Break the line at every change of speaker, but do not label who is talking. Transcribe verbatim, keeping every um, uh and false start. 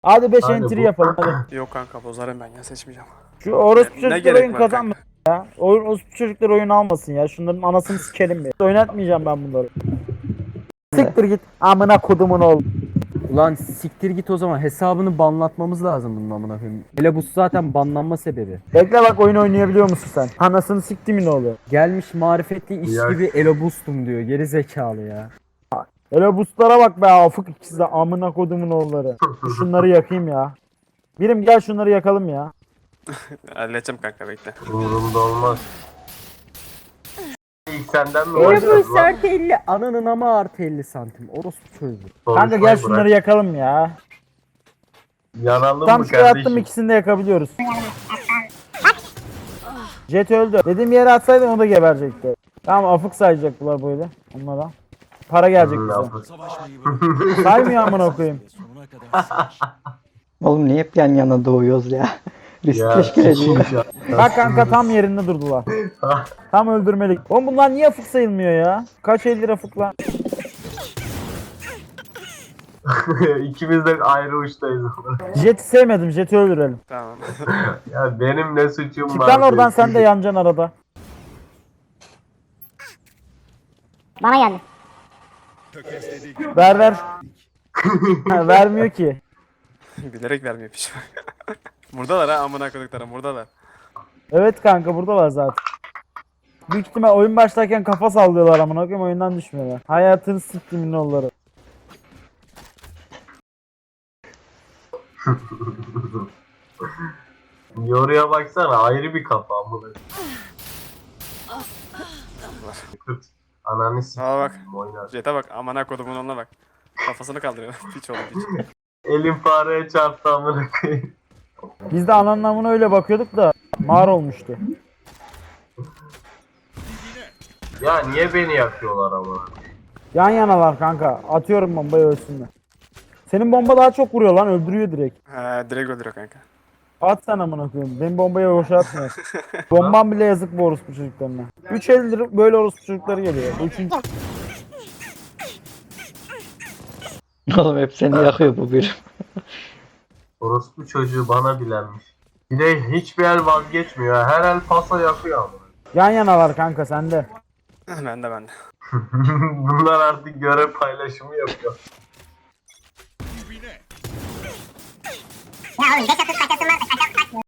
Hadi beş
Hadi
entry
bu-
yapalım hadi.
Yok kanka bozarım ben ya, seçmeyeceğim.
Şu orospu
Ne- ne
çocuklar
gerek
oyun
var
kazanmasın ya. Oyun, orospu çocuklar oyun almasın ya. Şunların anasını sikelim bir. Oynatmayacağım ben bunları. Siktir git. Amına kodumun oğlu.
Ulan siktir git o zaman, hesabını banlatmamız lazım bunun amına koyayım. Hele bu zaten banlanma sebebi.
Bekle bak, oyun oynayabiliyor musun sen? Anasını siktimin oğlu.
Gelmiş marifetli iş
Ya.
gibi elobustum diyor, geri zekalı ya.
Öyle boostlara bak be, afık ikisi de amına kodumun oğulları. Şunları yakayım ya. Birim gel şunları yakalım ya.
Halledeceğim kanka, bekle.
Umurumda olmaz. İlk senden mi
Elobus
başladın lan?
artı elli, ananın ama artı elli santim. Orospu çocuğu.
Kanka
Konuşmayı
gel
bırak.
şunları yakalım ya.
Yanalım
Tam
mı
şuraya attım,
kardeşim?
ikisini de yakabiliyoruz. Jet öldü. Dediğim yere atsaydın o da geberecekti. Tamam, afık sayacaklar böyle onlara. Para gelecek
Hmm,
bize.
yapma.
Saymıyor amına koyayım.
Oğlum niye hep yan yana doğuyoruz ya? Risk
Ya,
teşkil ediyor.
ya.
Bak kanka tam yerinde durdular. Tam öldürmelik. Oğlum bunlar niye afık sayılmıyor ya? Kaç elli afık lan?
İkimiz de ayrı uçtayız.
Jet'i sevmedim. Jet'i öldürelim.
Tamam.
Ya benim ne suçum
Çık
var?
lan oradan,
ki?
sen de yanacaksın arada.
Bana geldi.
Ver ver. Ha, vermiyor ki.
Bilerek vermiyor piş. Buradalar ha, amına koyduklarım buradalar.
Evet kanka, buradalar zaten. Büyük ihtimal oyun başlarken kafa sallıyorlar amına koyayım, oyundan düşmüyorlar. Hayatını siktimin oğulları.
Yoruya baksana, ayrı bir kafa amına. Kırt. Ananı s***
Aa bak.
oynar.
Jet'e bak, amına kodumun onunla bak. Kafasını kaldırıyor. Piç oğlum piç.
Elim fareye çarptı amına koyayım.
Biz de ananın amına öyle bakıyorduk da mağar olmuştu.
Ya niye beni yakıyorlar amına?
Yan yanalar kanka. Atıyorum bombayı, ölsünler. Senin bomba daha çok vuruyor lan, öldürüyor direkt.
He, direkt öldürüyor kanka.
At sen amına koyayım. Benim bombayı boşa atmıyor. Bombam bile yazık bu orospu çocuklarına. üç eldir böyle orospu çocukları geliyor. Bu üçüncü.
Oğlum hep seni yakıyor bu bir.
Orospu çocuğu bana bilenmiş. Bir de hiçbir el vazgeçmiyor. ha. Her el pasa yakıyor amına.
Yan yanalar kanka sende.
Ben de ben de.
Bunlar artık görev paylaşımı yapıyor.
Ya oğlum beş atış kaçasın varsa kaças